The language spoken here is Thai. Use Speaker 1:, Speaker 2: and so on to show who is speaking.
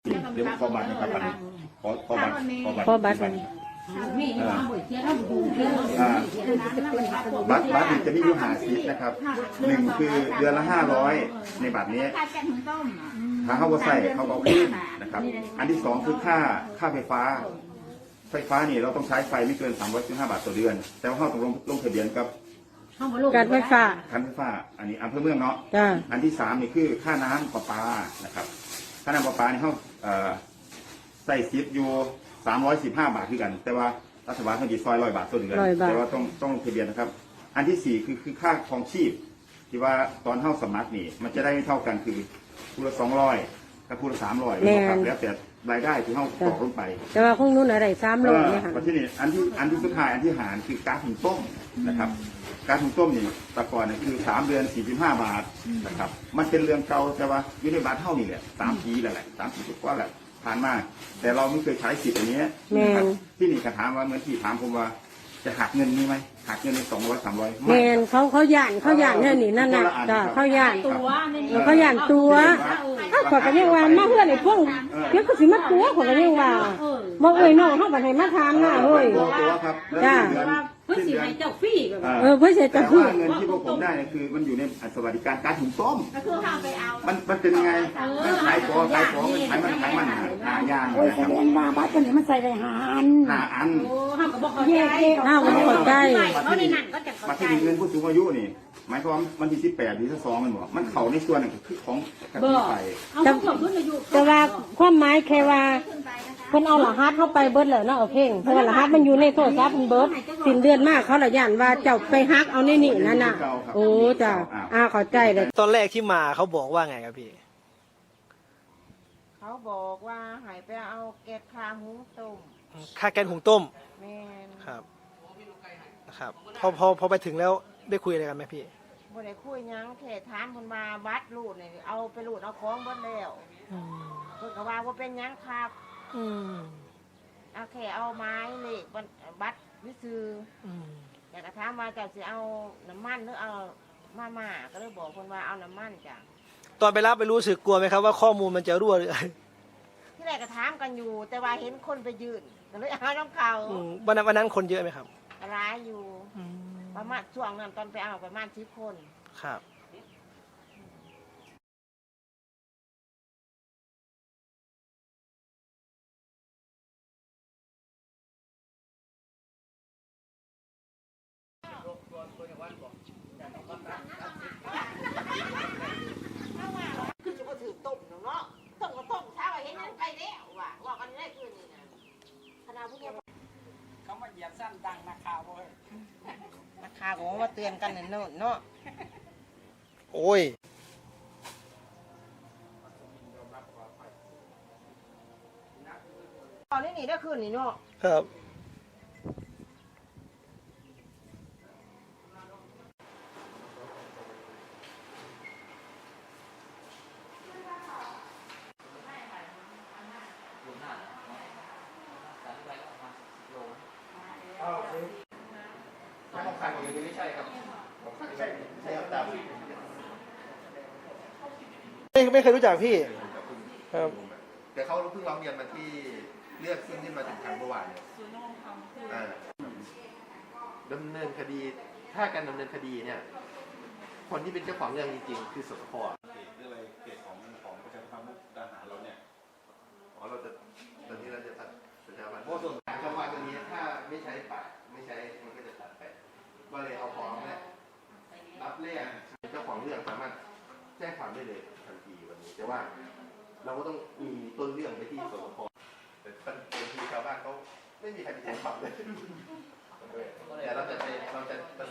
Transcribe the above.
Speaker 1: เดี๋ยวขอบัตรนะครับขอบัตรบัตรจะมีอยู่50นะครับหนึ่งคือเดือนละ500ในบัตรนี้ถ้าเขาใส่เขาเอาขึ้นนะครับอันที่2คือค่าไฟฟ้านี่เราต้องใช้ไฟไม่เกิน315 บาทต่อเดือนแต่ว่าเขาต้องลงทะเบียนกับ
Speaker 2: การไฟฟ้า
Speaker 1: อันนี้อำเภอเมืองเนาะอันที่3นี่คือค่าน้ำประปานะครับค่าน้ำประปานี่เขาใส่ซิปอยู่315 บาทคือกันแต่ว่ารัฐบาลเขาดีซอย100 บาทต่อเดือนแต่ว่าต้องลงทะเบียนนะครับอันที่4คือค่าครองชีพที่ว่าตอนเข้าสมัครนี่มันจะได้ไม่เท่ากันคือผู้ละ200กับผู้ละ300นะครับแล้วแต่รายได้ที่เข้าต่อลงไป
Speaker 2: แต่ว่าคงนู้นอะไร300เนี่ยค่ะ
Speaker 1: ที่นี่อันที่สุดท้ายอันที่หารคือก๊าซหุงต้มนะครับก๊าซหุงต้มนี่แต่ก่อนเนี่ยคือ3 เดือน45 บาทนะครับมันเป็นเรื่องเก่าแต่ว่าอยู่ในบาทเท่านี่แหละ3 ปีแล้วแหละ3 ปีกว่าแหละผ่านมาแต่เราไม่เคยใช้สิทธิ์อันนี้นะครับที่นี่คำถามว่าเมื่อที่ถามผมว่าจะหักเงินนี้ไหมหักเงินใน200 300
Speaker 2: แมนเขาย่านเนี่ยนี่นั่นน่ะจ้ะเขาย่านตัวถ้าขอกันยังว่ามาเพื่อนไอ้พวกเพื่อนก็สิมาตัวขอกันยังว่าบอกเอ้ยน้องเขาบัดให้มาทานน่ะเฮ้ย
Speaker 1: จ้า
Speaker 3: เพื่อสิให้เจ้าฟรีแบบ
Speaker 2: เพื่อสิให้เจ้าฟรี
Speaker 1: เงินที่พวกผมได้เนี่ยคือมันอยู่ในสวัสดิการการหุงต้ม
Speaker 3: ก็คือห้ามไปเอา
Speaker 1: มันเป็นยังไงมันขายของมันหายาง
Speaker 4: โอ้ยแสดงว่าบัตรตัวนี้มันใส่ได้5 อัน
Speaker 3: โอ้ห้ามก็บอกเขาใจ
Speaker 2: ห้ามก็บอกเขาใจ
Speaker 3: เขาในนั้นก็จะเข้าใจ
Speaker 1: เงินผู้สูงอายุนี่หมายความมันที่18 ที่2มันบอกมันเข่าในส่วนนึงคือของกติไป
Speaker 2: แต่ว่าความหมายแค่ว่าเพิ่นเอารหัสเข้าไปเบิดเลยเนาะเอาเพ่งเพราะว่ารหัสมันอยู่ในโทรศัพท์มันเบิดสิ้นเดือนมากเขาละย่านว่าเจ้าไปฮักเอาในนี่นั่นน่ะโอ้จ้ะเข้าใจเลย
Speaker 5: ตอนแรกที่มาเขาบอกว่าไงครับพี่
Speaker 4: เขาบอกว่าให้ไปเอาแกะค่าหุงต้ม
Speaker 5: ค่าแกงหุงต้ม
Speaker 4: แม่น
Speaker 5: ครับนะครับพอไปถึงแล้วได้คุยอะไรกันไหมพี่
Speaker 4: บ่ได้คุยยังแค่ถามเพิ่นมาบัตรรูดนี่เอาไปรูดเอาของเบิดแล้วเพิ่นก็ว่าเป็นยังครับเอาแค่เอาไม้เลขบัตรวิซื้ออยากจะถามว่าจะสิเอาน้ำมันหรือเอามาก็เลยบอกคนว่าเอาน้ำมันจ้ะ
Speaker 5: ตอนไปรับไปรู้สึกกลัวไหมครับว่าข้อมูลมันจะรั่วหรือ
Speaker 4: ที่แรกก็ถามกันอยู่แต่ว่าเห็นคนไปยืนก็เลยเอาน้ำเขา
Speaker 5: วันนั้นคนเยอะไหมครับ
Speaker 4: ร้ายอยู่ประมาณช่วงนั้นตอนไปเอาประมาณ10 คน
Speaker 5: ครับ
Speaker 4: คือจะมาถือต้มเนาะต้มเช้าเห็นนั่นไปแล้วว่ากันได้คืนนี้นะขนาดพวกนี้
Speaker 6: เขามาเหยียบสั้นดังนักข่าวเลย
Speaker 4: นักข่าวของว่าเตือนกันเนาะ
Speaker 5: โอ้ย
Speaker 4: ตอนนี้ได้คืนนี้เนาะ
Speaker 5: ครับไม่เคยรู้จักพี่ครับ
Speaker 1: แต่เขาเพิ่งร้องเรียนมาที่เลือกขึ้นมาถึงทางเมื่อวานเนี่ย
Speaker 7: ดำเนินคดีถ้าการดำเนินคดีเนี่ยคนที่เป็นเจ้าของเรื่องจริงๆคือสสพ.
Speaker 1: เรื่องอะไรเกตของประชาธิปัตย์มุกดาหารเราเนี่ยตอนนี้เราจะตัดประชาธิปัตย์เพราะส่วนจังหวัดตัวนี้ถ้าไม่ใช้ปัดไม่ใช้มันก็จะตัดไปก็เลยเอาฟ้องเนี่ยรับเรื่องเจ้าของเรื่องสามารถแจ้งความได้เลยทันทีวันนี้แต่ว่าเราก็ต้องมีต้นเรื่องไปที่สสพ.แต่บางทีชาวบ้านเขาไม่มีใครไปแจ้งความเลยแต่เราจะ